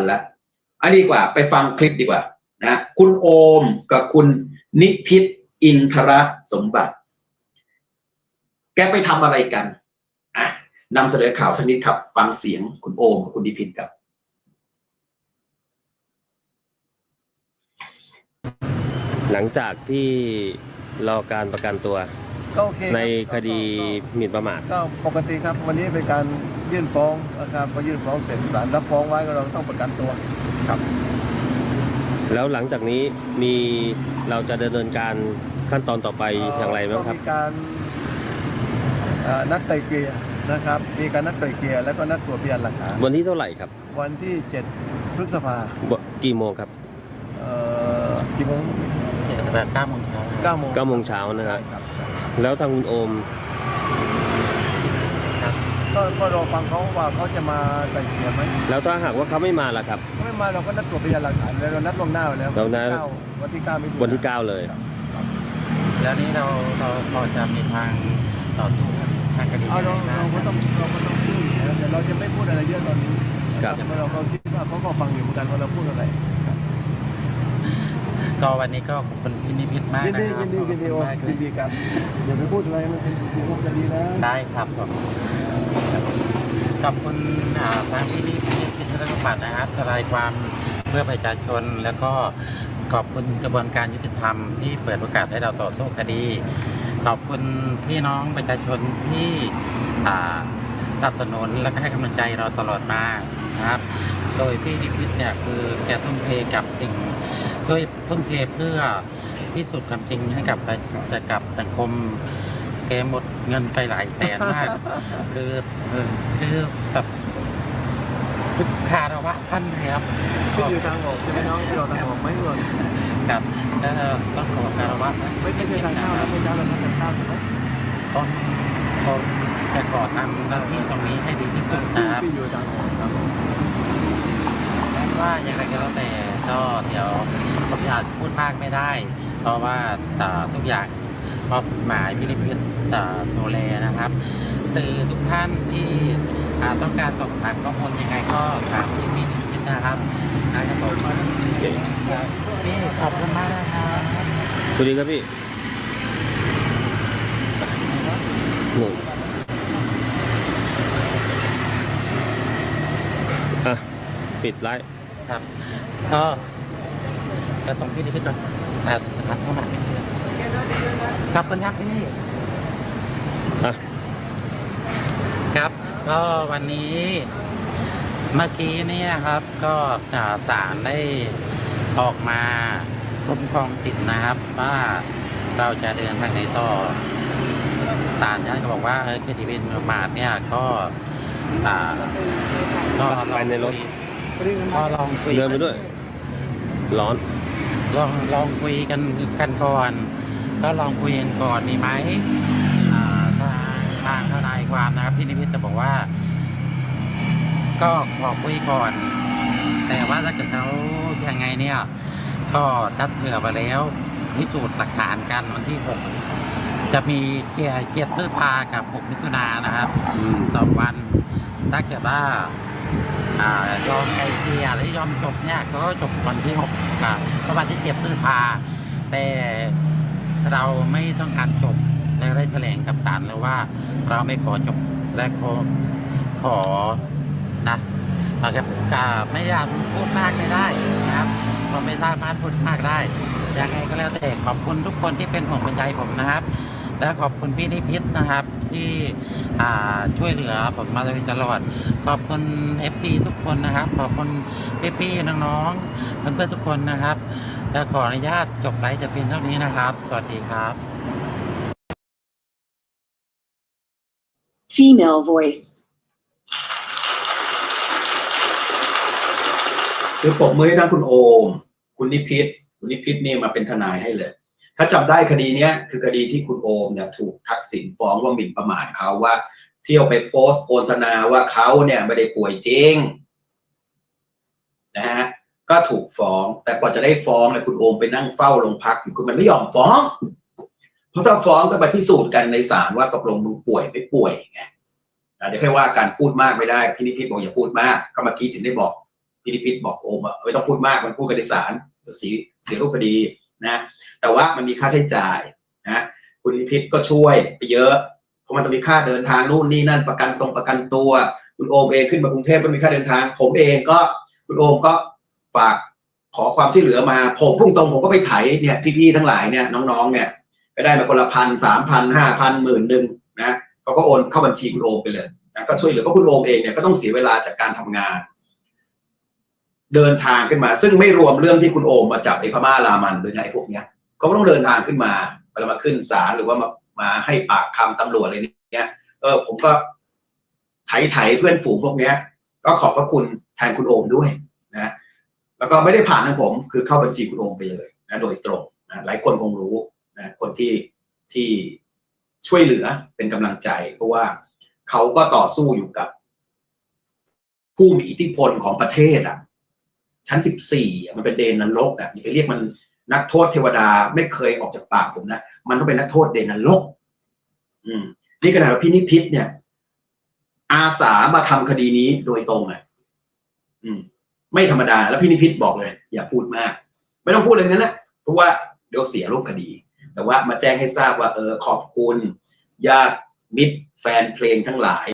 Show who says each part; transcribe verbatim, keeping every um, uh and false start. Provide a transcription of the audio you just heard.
Speaker 1: แล้วอันนี้ดีกว่าไปฟังคลิปดีกว่านะคุณโอมกับคุณนิพิษอินทรสมบัติแกไปทำอะไรกันอ่ะนำเสนอข่าวสักนิดครับฟังเสียงคุณโอมกับคุณนิพิษครับ
Speaker 2: หลังจากที่รอการประกันตัวในคดีหมิ่นประมาท
Speaker 3: ก็ปกติครับวันนี้เป็นการยื่นฟ้องนะครับพอยื่นฟ้องเสร็จศาลรับฟ้องไว้ก็เราต้องประกันตัวครับ
Speaker 2: แล้วหลังจากนี้มีเราจะดำเนินการขั้นตอนต่อไปอย่างไรบ้างครับ
Speaker 3: มีการนัดไกลเกลี่ยนะครับมีการนัดไกลเกลี่ยแล้วก็นัดตรวจพยานหลักฐาน
Speaker 2: วันที่เท่าไหร่ครับ
Speaker 3: วันที่เจ็ดพฤษภา
Speaker 2: กี่โมงครับ
Speaker 3: เอ่อกี่โมง
Speaker 4: เก้าโมงเช้า
Speaker 3: เก้าโมง
Speaker 2: เก้าโมงเช้านะครับแล้วทางคุณโอม
Speaker 3: ก็ก็รอฟังเขาว่าเขาจะมาไกลเกลี่ยไหม
Speaker 2: แล้วถ้าหากว่าเขาไม่มาล่ะครับ
Speaker 3: ไม่มาเราก็นัดตรวจพยานหลักฐานแล้วเรานัดล่วงหน้าแล้ว
Speaker 2: เรานัด
Speaker 3: วันที่เก้า
Speaker 2: วันที่เก้าเลย
Speaker 4: แล้วนี้เราเราพอจะมีทางต่อสู้ทางคดียังไง
Speaker 3: บ้างเราก็ต้องเราก็ต้องพูดแต่เราจะไม่พูดอะไรเยอะตอนนี้
Speaker 2: ครับ
Speaker 3: เราเราคิดว่าเขาก็ฟังอยู่เหมือนกันว่าเราพูดอะไร
Speaker 4: ก็วันนี้ก็ขอบคุณพี่นิพิษมากนะครับ
Speaker 3: ยินดียินดียินดีครับอย่าไปพูดอะไรมันเป็นความคดีนะ
Speaker 4: ได้ครับผมขอบคุณทางพี่นิพิษพิทยาปัตย์นะครับทนายความเพื่อประชาชนแล้วก็ขอบคุณกระบวนการยุติธรรมที่เปิดโอกาสให้เราต่อสู้คดีขอบคุณพี่น้องประชาชนที่สนับสนุนและก็ให้กำลังใจเราตลอดมานะครับโดยพี่นิพิษเนี่ยคือแกทุ่มเทกับสิ่งช่วยทุ่มเทเพื่อพิสูจน์ความจริงให้กับจะกับสังคมแกหมดเงินไปหลายแสนมากคือคือแบบคารวะท่านครับ
Speaker 3: ที่อยู่ทางออกใช่ไหมน้องที่เราทางออกไม่หล่น
Speaker 4: ครับก็ต้องขอคารวะ
Speaker 3: ไม่ไม่ใช่ทางเข้าแล้วไม่ใช่เราทางเข้าใช่ไหม
Speaker 4: ต้องต้องจะขอทำหน้าที่ตรงนี้ให้ดีที่สุดนะครับ
Speaker 3: ที่อยู่ทางออกครับ
Speaker 4: ว่าอย่างไรก็แล้วแต่ก็เดี๋ยวผมอาจพูดมากไม่ได้เพราะว่าทุกอย่างมอบหมายพิพิธดูแลนะครับสื่อทุกท่านที่ต้องการสอบถามข้อมูลยังไงก็ถามที่พิพิธนะครับนะครับผมพี่ขอบคุณมากนะครับ
Speaker 2: สวัสดีครับพี่หนึ่งอ่ะปิดไลฟ์
Speaker 4: ครับก็จะส่งพี่นิพิษก่อนแต่ทักเข้ามาครับคุณครับพี่ครับก็วันนี้เมื่อกี้เนี่ยครับก็ศาลได้ออกมาคุ้มครองสิทธินะครับว่าเราจะเดินทางไหนต่อศาลท่านก็บอกว่าคดีหมิ่นประมาทเนี่ยก็ก็
Speaker 2: ไปในรถ
Speaker 4: ก็ลองคุย
Speaker 2: เดินไปด้วยร้อน
Speaker 4: ลองลองคุยกันกันก่อนก็ลองคุยกันก่อนดีไหมทางทางทนายความนะครับพี่นิพิษจะบอกว่าก็ขอคุยก่อนแต่ว่าถ้าเกิดเขายังไงเนี่ยก็ทัดเผื่อไปแล้วพิสูจน์หลักฐานกันวันที่หกจะมีเกียร์เกียร์พฤษภากับหกมิถุนายนนะครับต่อวันถ้าเกิดว่ายอมไกลเกลี่ยและยอมจบเนี่ยก็จบวันที่หกประมาณที่เจ็ดพฤษภาแต่เราไม่ต้องการจบและได้แถลงกับศาลแล้วว่าเราไม่ขอจบและขอขอนะอาจจะไม่อยากพูดมากไม่ได้นะครับเพราะไม่สามารถพูดมากได้ยังไงก็แล้วแต่ขอบคุณทุกคนที่เป็นห่วงเป็นใยผมนะครับและขอบคุณพี่นิพิษนะครับที่ช่วยเหลือผมมาโดยตลอดขอบคุณ เอฟ ซี ทุกคนนะครับขอบคุณพี่ๆน้องๆเพื่อนๆทุกคนนะครับและขออนุญาตจบไลฟ์จะเพียงเท่านี้นะครับสวัสดีครับ
Speaker 5: Female voice
Speaker 1: คือปรบมือให้ทั้งคุณโอมคุณนิพิษคุณนิพิษนี่มาเป็นทนายให้เลยถ้าจำได้คดีนี้คือคดีที่คุณโอมเนี่ยถูกทักษิณฟ้องว่าหมิ่นประมาทเขาว่าเที่ยวไปโพสต์โฆษณาว่าเขาเนี่ยไม่ได้ป่วยจริงนะฮะก็ถูกฟ้องแต่กว่าจะได้ฟ้องเนี่ยคุณโอมไปนั่งเฝ้าโรงพักอยู่คือมันไม่ยอมฟ้องเพราะถ้าฟ้องก็ไปพิสูจน์กันในศาลว่าตกลงมึงป่วยไม่ป่วยไงเดี๋ยวแค่ว่าการพูดมากไม่ได้พี่นิพิษบอกอย่าพูดมากก็เมื่อกี้ถึงได้บอกพพี่นิพิษบอกโอมว่าไม่ต้องพูดมากมันพูดกันในศาลจะเสียเสียรูปคดีนะแต่ว่ามันมีค่าใช้จ่ายนะคุณนิพิษก็ช่วยไปเยอะเพราะมันต้องมีค่าเดินทางนู่นนี่นั่นประกันตรงประกันตัวคุณโอมเองขึ้นมากรุงเทพก็มีค่าเดินทางผมเองก็คุณโอมก็ฝากขอความช่วยเหลือมาผมพุ่งตรงผมก็ไปไถเนี่ยพี่ๆทั้งหลายเนี่ยน้องๆเนี่ยก็ได้มาคนละพันสามพันห้าพันหมื่นหนึ่งนะเขาก็โอนเข้าบัญชีคุณโอมไปเลยนะก็ช่วยเหลือก็คุณโอมเองเนี่ยก็ต้องเสียเวลาจากการทำงานเดินทางขึ้นมาซึ่งไม่รวมเรื่องที่คุณโอมมาจับไอ้พม่ารามันหรือไอ้พวกเนี้ยก็ต้องเดินทางขึ้นมาเวลามาขึ้นศาลหรือว่ามามาให้ปากคำตำรวจอะไรเนี้ยเออผมก็ไถไถเพื่อนฝูงพวกเนี้ยก็ขอบพระคุณแทนคุณโอมด้วยนะแล้วก็ไม่ได้ผ่านทางผมคือเข้าบัญชีคุณโอมไปเลยนะโดยตรงนะหลายคนคงรู้นะคนที่ที่ช่วยเหลือเป็นกำลังใจเพราะว่าเขาก็ต่อสู้อยู่กับผู้มีอิทธิพลของประเทศอ่ะชั้นสิบสี่มันเป็นเดนนรกอ่ะอย่าไปเรียกมันนักโทษเทวดาไม่เคยออกจากปากผมนะมันต้องเป็นนักโทษเดนนรกอืมนี่ขนาดพี่นิพิษเนี่ยอาสามาทำคดีนี้โดยตรงเลยอืมไม่ธรรมดาแล้วพี่นิพิษบอกเลยอย่าพูดมากไม่ต้องพูดเลยนั้นนะเพราะว่าเดี๋ยวเสียรูปคดีแต่ว่ามาแจ้งให้ทราบว่าเออขอบคุณญาติมิตรแฟนเพลงทั้งหลาย